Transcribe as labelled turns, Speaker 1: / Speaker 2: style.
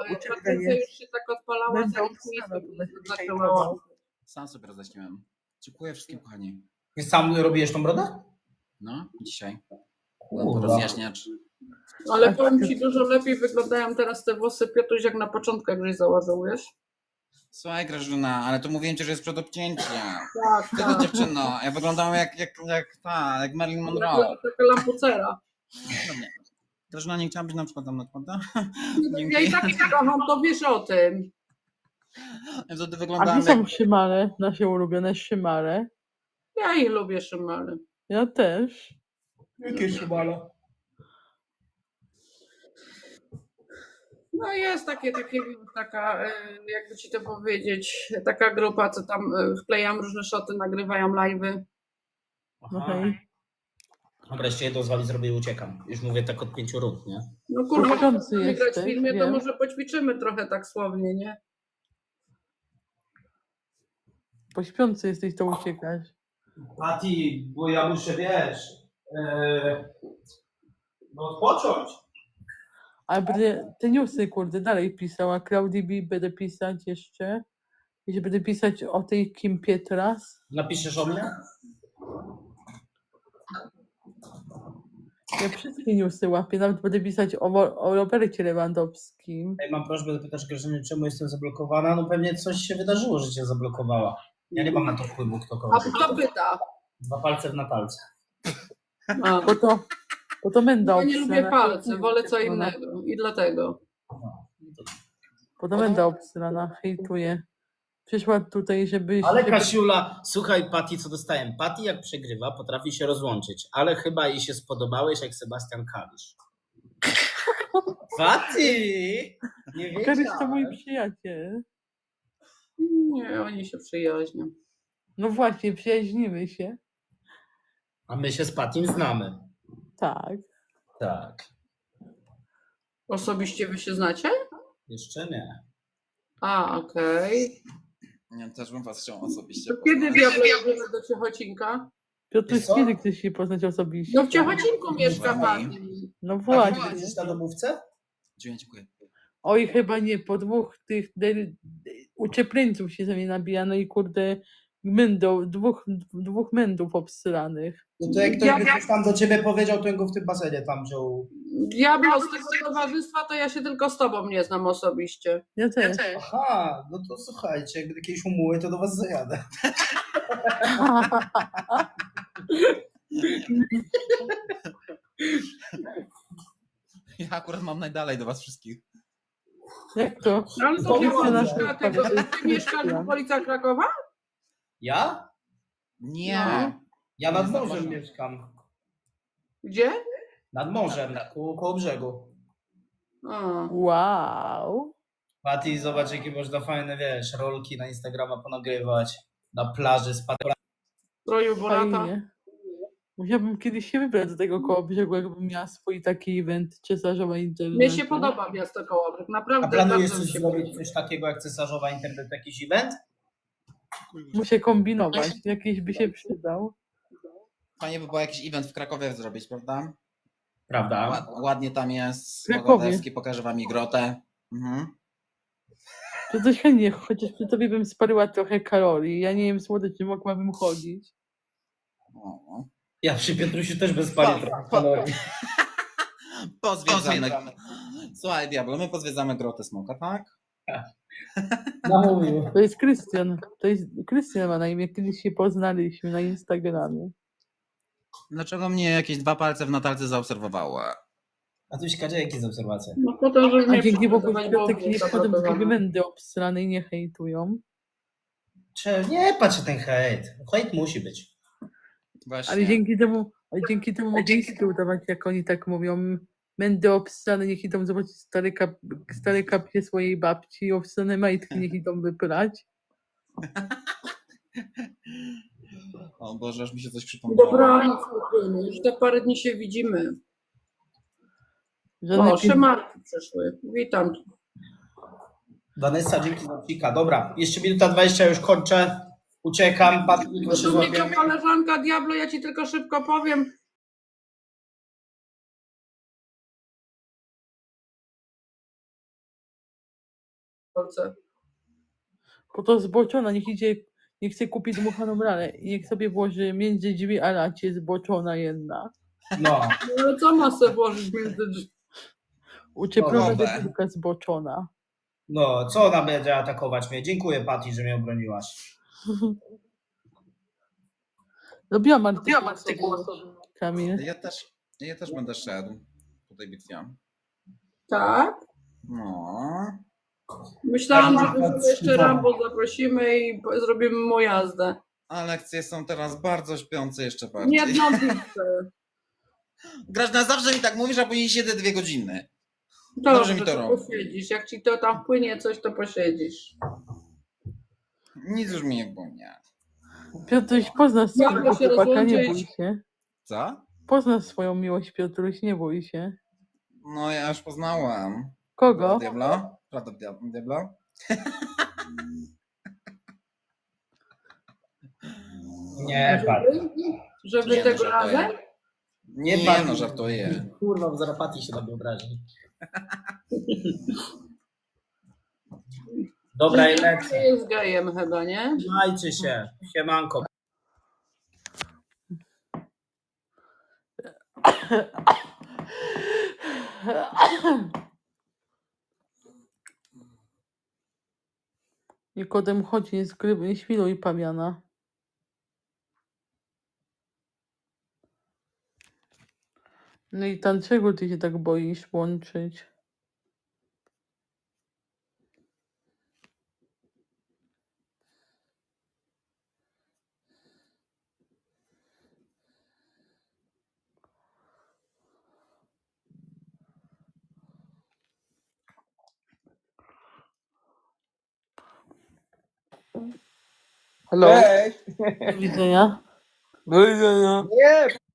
Speaker 1: Patrycja już się tak odpalała, zanim zaczęła.
Speaker 2: Sam sobie roześmiałem. Dziękuję wszystkim, kochani.
Speaker 3: Sam robiłeś tą brodę?
Speaker 2: No, dzisiaj.
Speaker 3: Kurwa.
Speaker 2: Rozjaśniacz.
Speaker 1: Ale powiem ci, dużo lepiej wyglądają teraz te włosy, Piotruś, jak na początku, jak żeś założył, wiesz?
Speaker 2: Słuchaj, Grażyna, ale to mówiłem ci, że jest przed obcięciem.
Speaker 1: Tak,
Speaker 2: Ty to dziewczyno, ja wyglądałem jak Marilyn Monroe.
Speaker 1: taka lampucera.
Speaker 2: No nie. Grażyna, nie chciałam być na przykład tam na prawda?
Speaker 1: Ja i tak cię kocham, to wiesz o tym.
Speaker 2: To ty
Speaker 4: A
Speaker 2: wyglądałem
Speaker 4: gdzie są szymale, nasze ulubione szymale?
Speaker 1: Ja ich lubię, szymale.
Speaker 4: Ja też.
Speaker 3: Jakie szybala?
Speaker 1: No jest taka, jakby ci to powiedzieć, taka grupa, co tam wklejam różne szoty, nagrywają live'y.
Speaker 4: Okej.
Speaker 3: Dobra, jeszcze jedno z wami zrobię i uciekam. Już mówię tak od 5 rund, nie?
Speaker 1: No kurwa,
Speaker 4: Pośpiący
Speaker 1: jak grać w
Speaker 4: jesteś,
Speaker 1: filmie, to
Speaker 4: wiem.
Speaker 1: może poćwiczymy trochę tak słownie, nie?
Speaker 4: Po śpiący jesteś, to uciekasz.
Speaker 3: Pati, bo ja muszę, wiesz, odpocząć.
Speaker 4: Ale będę te newsy, kurde, dalej pisała. Claudii B będę pisać jeszcze. Jeśli będę pisać o tej Kim Pietras.
Speaker 3: Napiszesz o mnie?
Speaker 4: Ja wszystkie newsy łapię, nawet będę pisać o Robercie Lewandowskim.
Speaker 3: Ej, mam prośbę zapytać Grażyny, czemu jestem zablokowana? No pewnie coś się wydarzyło, że cię zablokowała. Ja nie mam na to wpływu, kto
Speaker 1: A
Speaker 3: kogo.
Speaker 1: kto pyta?
Speaker 3: 2 palce w Natalce.
Speaker 1: A,
Speaker 4: Bo to menda
Speaker 1: ja nie lubię
Speaker 4: obsrana.
Speaker 1: palce, wolę co innego i dlatego.
Speaker 4: Bo to menda obsrana, hejtuje. Przyszła tutaj, żeby...
Speaker 3: Ale Kasiula, słuchaj Pati, co dostałem. Pati jak przegrywa, potrafi się rozłączyć, ale chyba jej się spodobałeś jak Sebastian Kalisz. Pati! Nie
Speaker 4: Karyś to mój
Speaker 3: wiedziałem.
Speaker 4: przyjaciel.
Speaker 1: Nie, oni się przyjaźnią.
Speaker 4: No właśnie, przyjaźnimy się.
Speaker 3: A my się z Patim znamy.
Speaker 4: Tak.
Speaker 3: Tak.
Speaker 1: Osobiście wy się znacie?
Speaker 3: Jeszcze nie.
Speaker 1: A, okej.
Speaker 2: Ja też bym was chciał osobiście
Speaker 1: To kiedy
Speaker 2: poznać.
Speaker 1: diablo jedziemy do Ciechocinka?
Speaker 4: Piotr,
Speaker 3: Wiesz co?
Speaker 4: kiedy chcesz się poznać osobiście?
Speaker 1: No w Ciechocinku mieszka
Speaker 2: Pani.
Speaker 1: pani.
Speaker 4: No
Speaker 3: Pati,
Speaker 4: właśnie.
Speaker 3: będziesz na domówce?
Speaker 2: Dziękuję.
Speaker 4: Oj, chyba nie, po dwóch tych uczepleńców się ze mnie nabija, no i kurde, dwóch mędów obsranych.
Speaker 3: No to jak ktoś by coś tam do ciebie powiedział, to go w tym basenie tam wziął.
Speaker 1: Diablo, z tego towarzystwa to ja się tylko z tobą nie znam osobiście.
Speaker 4: Ja też.
Speaker 3: Aha, no to słuchajcie, jakby jakieś umuły, to do was zajadę.
Speaker 2: Ja akurat mam najdalej do was wszystkich.
Speaker 4: Jak to?
Speaker 1: Ale to
Speaker 3: Znowu
Speaker 1: chyba
Speaker 3: nas
Speaker 1: mieszka tego, ty mieszkasz w okolicach Krakowa?
Speaker 3: Ja?
Speaker 2: Nie.
Speaker 1: No.
Speaker 3: Ja nad
Speaker 2: Nie
Speaker 3: morzem
Speaker 2: zauważyłem.
Speaker 3: mieszkam.
Speaker 1: Gdzie?
Speaker 3: Nad morzem, koło brzegu.
Speaker 1: A.
Speaker 4: Wow.
Speaker 3: Pati, zobacz jakie można fajne, wiesz, rolki na Instagrama ponagrywać. Na plaży z Patrykiem.
Speaker 1: Stroju Borata.
Speaker 4: Fajnie. Musiałabym kiedyś się wybrać do tego koło brzegu, jakbym miała swój taki event cesarzowa internetu.
Speaker 1: Mnie się podoba miasto Kołobrzeg,
Speaker 3: A
Speaker 1: naprawdę
Speaker 3: planujesz
Speaker 1: bardzo mi
Speaker 3: coś
Speaker 1: się
Speaker 3: zrobić,
Speaker 1: podoba.
Speaker 3: coś takiego jak cesarzowa internet, jakiś event?
Speaker 4: Muszę kombinować, jakiś by się przydał.
Speaker 2: Fajnie by było jakiś event w Krakowie zrobić, prawda?
Speaker 3: Prawda?
Speaker 2: Ładnie tam jest.
Speaker 4: Krakowie.
Speaker 2: Bogatewski, pokażę wam i grotę. Mhm.
Speaker 4: To coś chętnie, chociaż przy tobie bym sparyła trochę kalorii. Ja nie wiem, słodyczy, mogłabym chodzić.
Speaker 2: O.
Speaker 3: Ja przy Piotrusiu też bez pali trochę kalorii.
Speaker 2: Pozwiedzamy. Słuchaj, Diablo, my pozwiedzamy grotę Smoka, tak?
Speaker 3: Namówił.
Speaker 4: To jest Krystian. To jest Krystian ma na imię, kiedyś się poznaliśmy na Instagramie.
Speaker 2: Dlaczego mnie jakieś 2 palce w Natalce zaobserwowały?
Speaker 3: A tu Kadzie, jakie są obserwacje?
Speaker 1: No po to, żeby
Speaker 4: A
Speaker 1: mnie
Speaker 4: dzięki Bogu
Speaker 1: przygotować, bo
Speaker 4: Piotrek nie
Speaker 1: mnie
Speaker 4: wchodzą w
Speaker 1: zablokowano.
Speaker 4: mędy obstrane i nie hejtują.
Speaker 3: Nie patrzę ten hejt. Hejt musi być.
Speaker 2: Właśnie.
Speaker 4: Ale dzięki temu mogę iskry udawać, jak oni tak mówią. Mędy obstrane, niech idą zobaczyć stare kapcie swojej babci, obstrane majtki niech idą wyprać.
Speaker 2: O Boże, aż mi się coś przypomniało.
Speaker 1: Dobranoc, spokojnie, już za parę dni się widzimy.
Speaker 4: Żadne
Speaker 1: O, Szymarki przyszły. Witam.
Speaker 3: Vanessa, dzięki za pika. Dobra, jeszcze minuta 20, już kończę. Uciekam. Patryk, proszę
Speaker 1: Tu
Speaker 3: złapię.
Speaker 1: mnie koleżanka Diablo, ja ci tylko szybko powiem. Polsce.
Speaker 4: Bo to zboczona, niech idzie, niech chce kupić dmuchaną lalę i niech sobie włoży między drzwi a lacie zboczona jedna.
Speaker 3: No,
Speaker 1: No ale co ma sobie włożyć między drzwi?
Speaker 4: Uczepiona
Speaker 2: Dobra.
Speaker 4: debilka zboczona.
Speaker 3: no, co ona będzie atakować mnie? Dziękuję, Patty, że mnie obroniłaś.
Speaker 4: Lubiłam artykuł Kamil.
Speaker 2: Ja też będę szedł po tej bitwie.
Speaker 1: Tak?
Speaker 2: No.
Speaker 1: Myślałam,
Speaker 3: Tak,
Speaker 1: że
Speaker 3: tak,
Speaker 1: jeszcze
Speaker 3: tak.
Speaker 1: Rambo zaprosimy i zrobimy mu jazdę.
Speaker 2: A lekcje są teraz bardzo śpiące jeszcze bardziej.
Speaker 1: Nie jedną pizzę.
Speaker 2: Grażna, zawsze mi tak mówisz, a później siedzę 2 godziny.
Speaker 1: Dobrze,
Speaker 2: mi to
Speaker 1: to
Speaker 2: robi.
Speaker 1: posiedzisz. Jak ci to tam wpłynie coś, to posiedzisz.
Speaker 2: Nic już mi nie płynie.
Speaker 4: Piotruś, poznasz
Speaker 1: Jak
Speaker 4: swojego
Speaker 1: się
Speaker 4: chłopaka, nie
Speaker 1: rozłączyć?
Speaker 4: bój się.
Speaker 2: Co?
Speaker 4: Poznasz swoją miłość, Piotruś, nie bój się.
Speaker 2: No ja już poznałam.
Speaker 4: Kogo?
Speaker 2: Diablo? Prawda, Diablo?
Speaker 3: Nie, Patty.
Speaker 1: Żeby
Speaker 2: Nie,
Speaker 1: tego
Speaker 2: no,
Speaker 1: razem?
Speaker 2: żartuję.
Speaker 3: Nie,
Speaker 2: Nie,
Speaker 3: Patty.
Speaker 2: no żartuję.
Speaker 3: Kurwa, bo zaraz Patty się na mnie obrazi. Dobra, i
Speaker 1: Nie
Speaker 3: lecę.
Speaker 1: jest gejem chyba, nie?
Speaker 3: Trzymajcie się. Siemanko.
Speaker 4: Nikodem, chodź, nie świruj pawiana. No i tam czego ty się tak boisz łączyć?
Speaker 5: Hello.
Speaker 4: Do widzenia.
Speaker 5: Do widzenia. Nie,